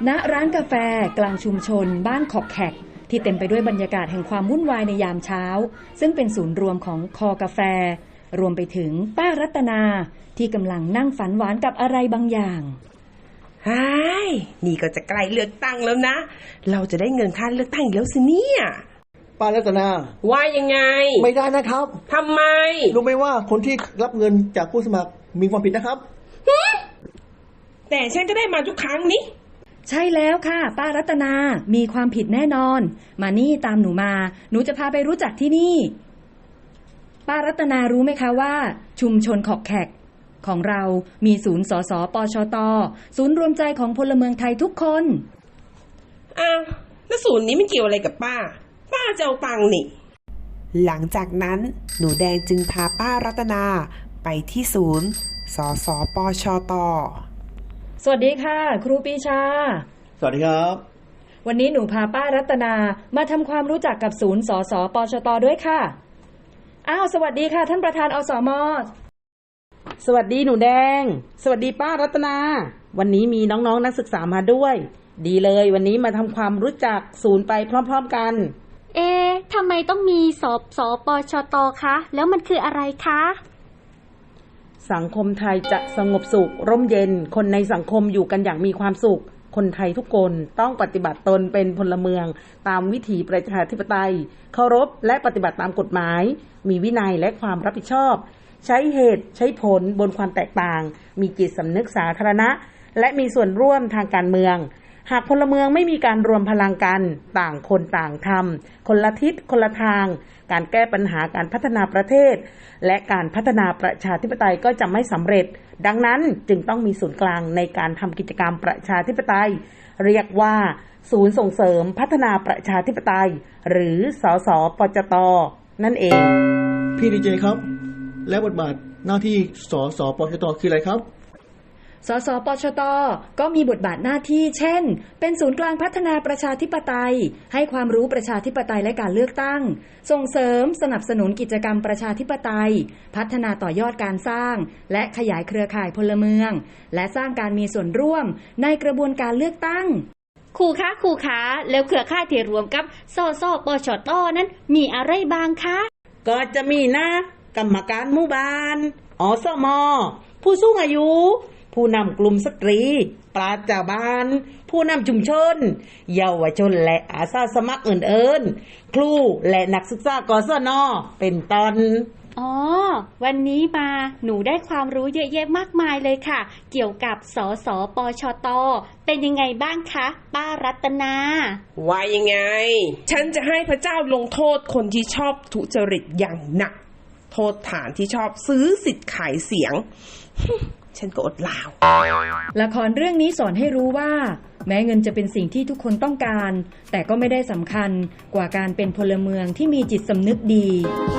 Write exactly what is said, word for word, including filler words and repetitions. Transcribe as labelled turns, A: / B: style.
A: ณร้านกาแฟกลางชุมชนบ้านขอกแขกที่เต็มไปด้วยบรรยากาศแห่งความวุ่นวายในยามเช้าซึ่งเป็นศูนย์รวมของคอกาแฟรวมไปถึงป้ารัตนาที่กำลังนั่งฝันหวานกับอะไรบางอย่าง
B: ไอ้นี่ก็จะใกล้เลือกตั้งแล้วนะเราจะได้เงินค่าเลือกตั้งอีกแล้วสิเนี่ย
C: ป้ารัตนา
B: ว่ายังไง
C: ไม่ได้นะครับ
B: ทำไม
C: รู้ไหมว่าคนที่รับเงินจากผู้สมัครมีความผิดนะครับ
B: แต่ฉันก็ได้มาทุกครั้งนี้
A: ใช่แล้วค่ะป้ารัตนามีความผิดแน่นอนมานี่ตามหนูมาหนูจะพาไปรู้จักที่นี่ป้ารัตนารู้ไหมคะว่าชุมชนขอกแขกของเรามีศูนย์สสปชตศูนย์รวมใจของพลเมืองไทยทุกคน
B: อ้าวแล้วศูนย์นี้มันเกี่ยวอะไรกับป้าป้าจะเอาตังค์นี่
D: หลังจากนั้นหนูแดงจึงพาป้ารัตนาไปที่ศูนย์สสปชต
A: สวัสดีค่ะครูปีชา
C: สวัสดีครับ
A: วันนี้หนูพาป้ารัตนามาทำความรู้จักกับศูนย์สสปชตด้วยค่ะอ้าวสวัสดีค่ะท่านประธานอสม.
E: สวัสดีหนูแดงสวัสดีป้ารัตนาวันนี้มีน้องๆ น, นักศึกษามาด้วยดีเลยวันนี้มาทำความรู้จักศูนย์ไปพร้อมๆกัน
F: เอ๊ะทำไมต้องมีสสปชตคะแล้วมันคืออะไรคะ
E: สังคมไทยจะสงบสุขร่มเย็นคนในสังคมอยู่กันอย่างมีความสุขคนไทยทุกคนต้องปฏิบัติตนเป็นพลเมืองตามวิถีประชาธิปไตยเคารพและปฏิบัติตามกฎหมายมีวินัยและความรับผิดชอบใช้เหตุใช้ผลบนความแตกต่างมีจิตสำนึกสาธารณะและมีส่วนร่วมทางการเมืองหากพลเมืองไม่มีการรวมพลังกันต่างคนต่างทำคนละทิศคนละทางการแก้ปัญหาการพัฒนาประเทศและการพัฒนาประชาธิปไตยก็จะไม่สำเร็จดังนั้นจึงต้องมีศูนย์กลางในการทำกิจกรรมประชาธิปไตยเรียกว่าศูนย์ส่งเสริมพัฒนาประชาธิปไตยหรือสสปชตนั่นเอง
C: พี่ดีเจครับและบทบาทหน้าที่สสปชตคืออะไรครับ
A: สสปชตก็มีบทบาทหน้าที่เช่นเป็นศูนย์กลางพัฒนาประชาธิปไตยให้ความรู้ประชาธิปไตยและการเลือกตั้งส่งเสริมสนับสนุนกิจกรรมประชาธิปไตยพัฒนาต่อยอดการสร้างและขยายเครือข่ายพลเมืองและสร้างการมีส่วนร่วมในกระบวนการเลือกตั้ง
F: ครูคะครูคะแล้วเครือข่ายที่รวมกับสสปชตนั้นมีอะไรบ้างคะ
E: ก็จะมีนะกรรมการหมู่บ้านอสม.ผู้สูงอายุผู้นำกลุ่มสตรีปราชญ์บ้านผู้นำชุมชนเยาวชนและอาสาสมัครอื่นๆครูและนักศึกษากศน.เป็นต้น
F: อ๋อวันนี้มาหนูได้ความรู้เยอะแยะมากมายเลยค่ะเกี่ยวกับสสปชตเป็นยังไงบ้างคะป้ารัตนา
B: ว่ายังไงฉันจะให้พระเจ้าลงโทษคนที่ชอบทุจริตอย่างหนักโทษฐานที่ชอบซื้อสิทธิ์ขายเสียงฉันก็อดลาว
A: ละครเรื่องนี้สอนให้รู้ว่าแม้เงินจะเป็นสิ่งที่ทุกคนต้องการแต่ก็ไม่ได้สำคัญกว่าการเป็นพลเมืองที่มีจิตสำนึกดี